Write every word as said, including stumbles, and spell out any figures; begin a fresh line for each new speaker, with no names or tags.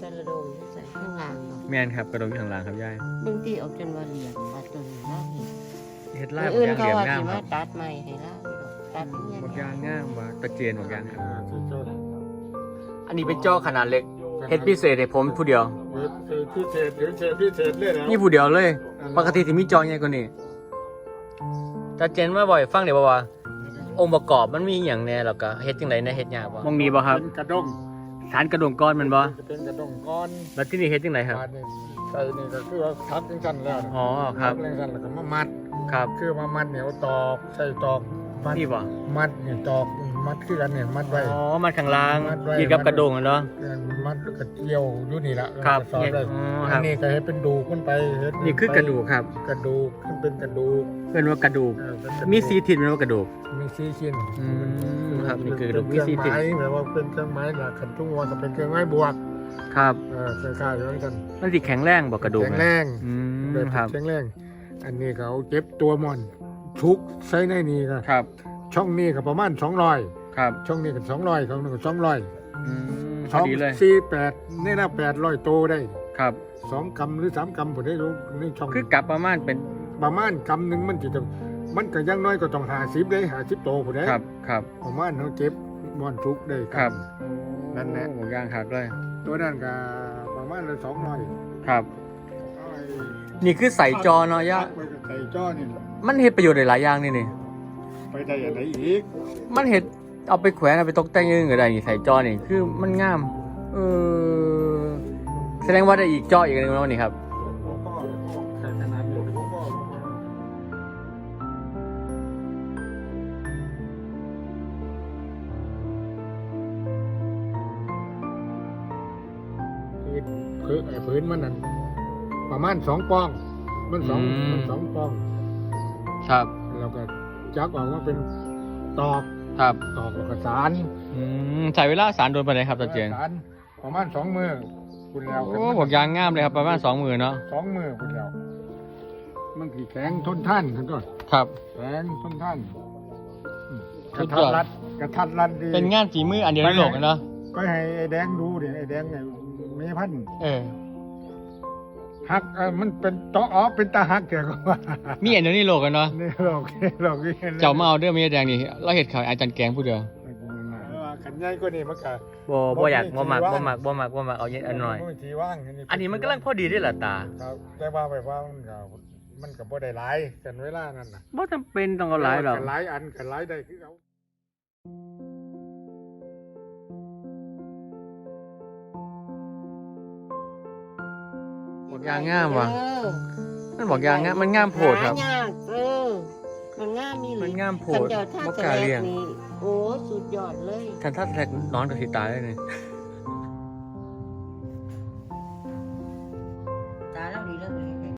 กระโดงใส่ข้างล่างเนาะ
แม่นครับกระดงอยู่ข้างล่างครับยาย
บางทีเอาจนว่าเหลี่ยมว่าตัวนี้นะเห็น
เฮ็ดลาบ
อื่น
ย่าง
เขา
เหลี่ยม
ว่า
งาม
สิ
ค
มา
รับ
ตัดใหม่ให้ล่าอยู่ดอกตัดเนี่ย
บักยางงามว่าตะเกียนบักยางครับ
อ่าที่เจ้า
อันนี้เป็นจอขนาดเล็กเฮ็ดพิเศษให้ผมผู้เดียว
เฮ็ดเศษพิเศษหรือเศษพิเศษเลยนะ
นี่ผู้เดียวเลย ปกติสิมีจอใหญ่กว่านี้ตะเจนมาบ่อยฟังเดี๋ยวบ่ว่าองค์ประกอบมันมีอย่างแน่แล้วก็เฮ็ดจังได๋นะเฮ็ดยากบ่มองนี้บ่ครับ
เป็นกระดง
สารกระดงก้อนมันบ่
จะเป็นกระดงก้อน
แล้วที่นี่เฮ็ดจังไดครับ
บาดนี่ใส่นี่ก็คือว่าทับจังซั่นแล้วนะ
อ๋อครับ
ทัจังซั่นแล้วก็มามัด
ครับ
คือมามัดเหนียวตอกใส่ตอกมัด
นี่บ่
มัดนี่ตอกมัดคือกันเนี่ยมัดไว้
อ๋อมันข้างล่าง
มัดไว้
กินกับกระดงอะเนาะ
มัดแล้วก็เกี่ยวอยู่นี่ละ
ครับ
แล้วก็สอดไว้
อ๋อค
อั
รั
น
บ
นี้ก็ให้เป็นดูกขึ้นไปเฮ็ด
นี่คือกระดูกครับ
กระดูกขึ้นเป็นกระดูก
เพิ่นว่ากระดูก
เออเป็นกระดูก
มีสีทิศมันว่ากระดูก
มีสี่ชิ้น
อืมครับนี่คือกระดูกมี
เป็น
สี่
เครื่
ทิ
อง
ศ
ไม้แบบว่าเป็นเครื่องไม้นะขันทุ่งว่าก็เป็นเครื่องไม้บวก
ครับ
เออคล้ายๆอย่างนั้น
มันสิแข็งแรงบ่กระดูก
แข็ง
นะ
แรง
อืม
แบบ
ครับ
แข็งแรงอันนี้เขาเก็บตัวมอนชุกใส่ในนี้ก็
ครับ
ช่องนี้ก็ประมาณสองร้อย
ครับ
ช่องนี้ก็สองร้อยช่องนี้ก็สองร้อย
อืมพ
ส
อ
อง
ดีเลย
สี่แปดนี่นะแปดร้อยโตได้
ครับ
สองกำหรือสามกำผมได้รู้นี่ช่อง
คือกลับประมาณเป็น
ประมาณกำหนึ่งมันจะต้องมันก็อยังน้อยก็ต้องหาสิบได้หาสิบโตผมได้
ครับครับ
ประมาณเขาเก็บมอนชุกได้
ครับ
นั่นแหละ
โอ้ย่างคักเลย
ตัวนั้นก็ประมาณสองร้อย
ครับ นี่คือใส่จอเนาะย่า
ใส่จอนี่
มันเฮ็ดประโยชน์ได้หลายอย่างนี่นี่
ไปได้อะไรอีก
มันเฮ็ดเอาไปแขวนเอาไปตกแต่งอยังอื่นก็ได้นี่ใส่จอนี่คือมันงามเออแสดงว่าได้อีกจออีกอันหนึงแล้วนี่ครับ
ใส่ขนาดนี้คือไอ้พื้นมันนั่นประมาณสองปอง มันสอง
อืม
มันสองปอง
ครับ
แล้วก็จักออกมาเป็นตอก
ครับ
ตอกแล้วก็สาร
อืมใช้เวลาสารโดนไปไหนครับตาเจียน
สารประมาณสองมือคุณแล้ว
โอ้บอกยางงามเลยครับประมาณสองหมื่นเนาะ
สองมือคุณแล้วมันผีแข็งทนท่านกันก่อน
ครับ
แข็งทนท่านอืมก
สุ
ระ
ด
ทั
ย
ด
อด
รัดกระทัดรัดดี
เป็นงานฝีมืออันเดียวในโลกเลยเนาะ
ก็ให้ไอ้แดงดูดิไอ้แดงไอ้เมพันธุ์
เออ
หักเออมันเป็นตออ๋อเป็นตาหักแกก็ว่า
มีอันเดียวในโลกกันเนาะ
นี่หลอกหลอกนี่
เจ้ามาเอาเด้อมีแดงนี่เราเห็ดขายอาจารย์แกงผู้เดียว
ขันใหญ่ก็นี่มันก็
บ่บ่อยากบ่มักบ่มักบ่มักบ่มักเอาเย็นอันหน่อย
มัมีทีว่าง
อันนี้มันกำลังพอดีได้ล่ะตา
ครับแต่ว่าไปว่ามันก็มันก็บ่ได้หลายกันเวลานั้นน่ะ
บ่จำเป็นต้องเอาหลายหรอก
กันหลายอันกันหลายได้คือเอา
บอกยางงามว่ะ
เออ
มันบอกยางงามมันงามโพดครับ
หายากเออมันงามมีหลี
มันงามโพด
คันเดียวท่า
บ่
แส
กล้า
ล
เลี้ย
ก
ง
นี่โอ้สุดยอดเลย
ท่านถ้าแทกนอนกับสิตายเลยนี่